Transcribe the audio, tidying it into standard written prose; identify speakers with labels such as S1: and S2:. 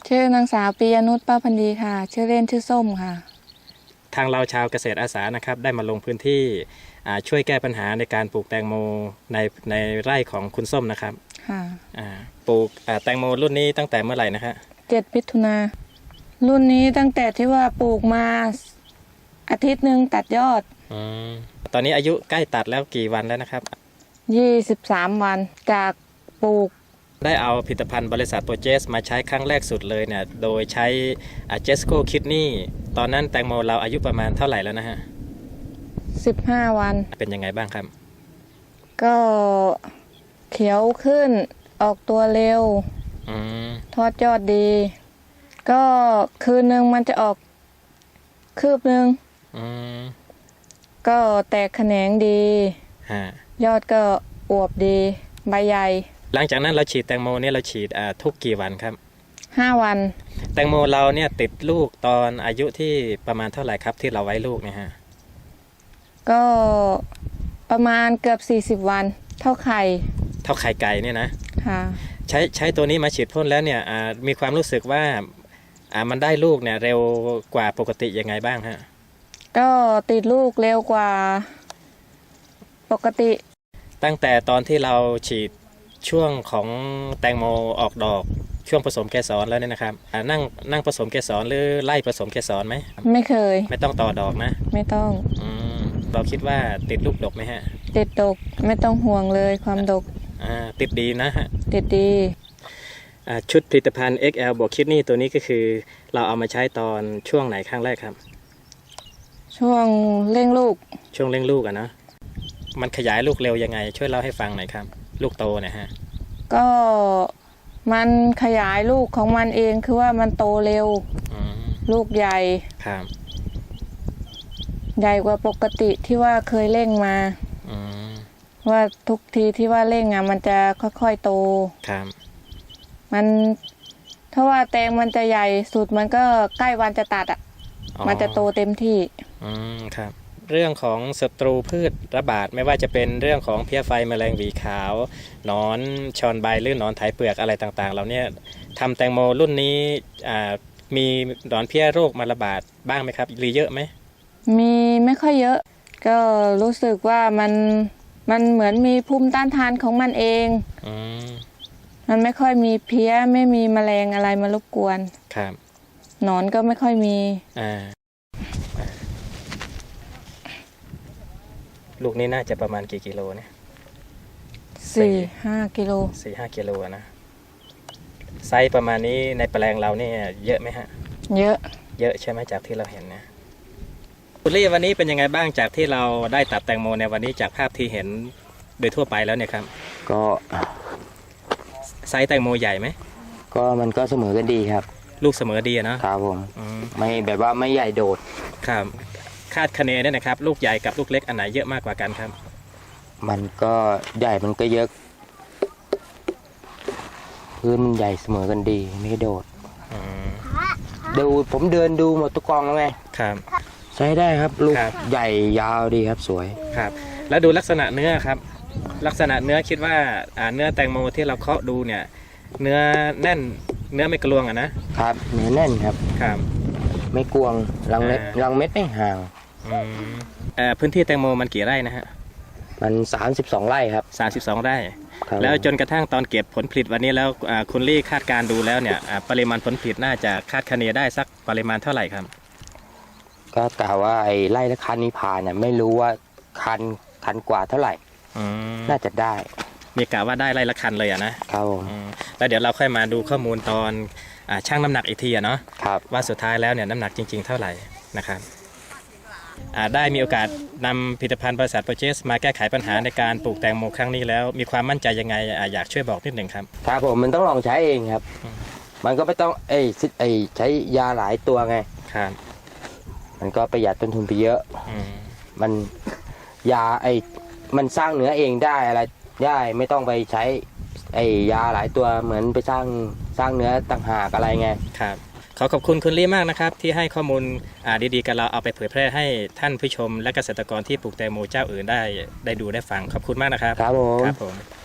S1: ชื่อนางสาวปียนุชป้าพันดีค่ะชื่อเล่นชื่อส้มค่ะ
S2: ทางเราชาวเกษตรอาสานะครับได้มาลงพื้นที่ช่วยแก้ปัญหาในการปลูกแตงโมในไร่ของคุณส้มนะครับ
S1: ค่ะ
S2: ปลูกแตงโมรุ่นนี้ตั้งแต่เมื่อไหร่นะครับ
S1: 7 มิถุนารุ่นนี้ตั้งแต่ที่ว่าปลูกมาอาทิตย์หนึ่งตัดยอด
S2: ตอนนี้อายุใกล้ตัดแล้วกี่วันแล้วนะครับ
S1: 23 วันจากปลูก
S2: ได้เอาผลิตภัณฑ์บริษัทโปรเจสมาใช้ครั้งแรกสุดเลยเนี่ยโดยใช้เจสโก้คิดนี่ตอนนั้นแตงโมเราอายุประมาณเท่าไหร่แล้วนะฮะ
S1: 15 วัน
S2: เป็นยังไงบ้างครับ
S1: ก็เขียวขึ้นออกตัวเร็วทอดยอดดีก็คืนนึงมันจะออกคืบนึงก็แตกแขนงดียอดก็อวบดีใบใหญ่
S2: หลังจากนั้นเราฉีดแตงโมเนี่ยเราฉีดทุกกี่วันครับ
S1: 5 วัน
S2: แตงโมเราเนี่ยติดลูกตอนอายุที่ประมาณเท่าไหร่ครับที่เราไว้ลูกเนี่ยฮะ
S1: ก็ประมาณเกือบ40 วันเท่าไข่
S2: ไก่เนี่ยนะ
S1: ค่ะ
S2: ใช้ตัวนี้มาฉีดพ่นแล้วเนี่ยมีความรู้สึกว่ามันได้ลูกเนี่ยเร็วกว่าปกติยังไงบ้างฮะ
S1: ก็ติดลูกเร็วกว่าปกติ
S2: ตั้งแต่ตอนที่เราฉีดช่วงของแตงโมออกดอกช่วงผสมเกสรแล้วเนี่ยนะครับนั่งผสมเกสรหรือไล่ผสมเกสรไหม
S1: ไม่เคย
S2: ไม่ต้องต่อดอกนะ
S1: ไม่ต้อง
S2: เราคิดว่าติดลูกดกไหมฮะ
S1: ติดดกไม่ต้องห่วงเลยความดก
S2: ติดดีนะฮะ
S1: ติดดี
S2: ชุดผลิตภัณฑ์ XL บวกคิดนี่ตัวนี้ก็คือเราเอามาใช้ตอนช่วงไหนครั้งแรกครับ
S1: ช่วงเร่งลูก
S2: ช่วงเร่งลูกนะมันขยายลูกเร็วยังไงช่วยเล่าให้ฟังหน่อยครับลูกโตนะฮะ
S1: ก็มันขยายลูกของมันเองคือว่ามันโตเร็วลูกใหญ่
S2: ครับ
S1: ใหญ่กว่าปกติที่ว่าเคยเร่งมาว่าทุกทีที่ว่าเร่งมันจะค่อยๆโต
S2: ครับ
S1: มันถ้าว่าแตงมันจะใหญ่สุดมันก็ใกล้วันจะตัดมันจะโตเต็มที่
S2: ครับเรื่องของศัตรูพืชระบาดไม่ว่าจะเป็นเรื่องของเพี้ยไฟแมลงหวีขาวหนอนชอนใบหรือหนอนไถเปลือกอะไรต่างๆเราเนี่ยทำแตงโมรุ่นนี้มีหนอนเพี้ยโรคมาระบาดบ้างไหมครับหรือเยอะไหม
S1: มีไม่ค่อยเยอะก็รู้สึกว่ามันเหมือนมีภูมิต้านทานของมันเองมันไม่ค่อยมีเพี้ยไม่มีแมลงอะไรมารบกวน
S2: ครับ
S1: หนอนก็ไม่ค่อยมี
S2: ลูกนี้น่าจะประมาณกี่กิโลเนี่ย
S1: 4-5 กิโล
S2: 4-5 กิโลนะไซส์ประมาณนี้ในแปลงเราเนี่ยเยอะไหมฮะ
S1: เยอะ
S2: ใช่ไหมจากที่เราเห็นนะคุณลี่วันนี้เป็นยังไงบ้างจากที่เราได้ตัดแตงโมในวันนี้จากภาพที่เห็นโดยทั่วไปแล้วเนี่ยครับ
S3: ก็
S2: ไซส์แตงโมใหญ่ไหม
S3: ก็มันก็เสมอกันดีครับ
S2: ลูกเสมอดีนะครับ
S3: ผมไม่แบบว่าไม่ใหญ่โดด
S2: ครับคาดคะเนเนี่ยนะครับลูกใหญ่กับลูกเล็กอันไหนเยอะมากกว่ากันครับ
S3: มันก็ใหญ่มันก็เยอะพื้นมันใหญ่เสมอกันดีไม่โดดดูผมเดินดูหมดทุกกองแล้วไง
S2: ครับ
S3: ใช้ได้ครับลูกใหญ่ยาวดีครับสวย
S2: ครับแล้วดูลักษณะเนื้อครับลักษณะเนื้อคิดว่าเนื้อแตงโมที่เราเคาะดูเนี่ยเนื้อแน่นเนื้อไม่กลวง
S3: นะครับเนื้อแน่นครับ
S2: ครับ
S3: ไม่กวงรังเม็ดไม่ห่าง
S2: พื้นที่แตงโมมันกี่ไร่นะฮะ
S3: มัน32 ไร่ครับ
S2: 32 ไร่แล้วจนกระทั่งตอนเก็บผลผลิตวันนี้แล้วคุณลี่คาดการดูแล้วเนี่ยปริมาณผลผลิตน่าจะคาดคะเนได้สักปริมาณเท่าไหร่ครับ
S3: ก็กล่าวว่าไอ้ไร่ละคันนี้ผ่านเนี่ยไม่รู้ว่าคันกว่าเท่าไหร่น่าจะได้
S2: มีกะว่าได้ไร่ละคันเลย
S3: นะครับ
S2: แล้วเดี๋ยวเราค่อยมาดูข้อมูลตอนชั่งน้ำหนักอีกทีเนาะว่าสุดท้ายแล้วเนี่ยน้ำหนักจริงๆเท่าไหร่นะครับได้มีโอกาสนำผลิตภัณฑ์บริษัทโปรเจสมาแก้ไขปัญหาในการปลูกแตงโมครั้งนี้แล้วมีความมั่นใจยังไงอยากช่วยบอกนิดหนึ่งครับ
S3: ครับผมมันต้องลองใช้เองครับมันก็ไม่ต้องใช้ยาหลายตัวไง
S2: ครับ
S3: มันก็ประหยัดต้นทุนไปเยอะมันยามันสร้างเนื้อเองได้อะไรได้ไม่ต้องไปใช้ยาหลายตัวเหมือนไปสร้างเนื้อต่างหากอะไรไง
S2: ครับขอขอบคุณคุณลี่มากนะครับที่ให้ข้อมูลดีๆกับเราเอาไปเผยแพร่ให้ท่านผู้ชมและเกษตรกรที่ปลูกแตงโมเจ้าอื่นได้ดูได้ฟังขอบคุณมากนะครับ
S3: ครับผม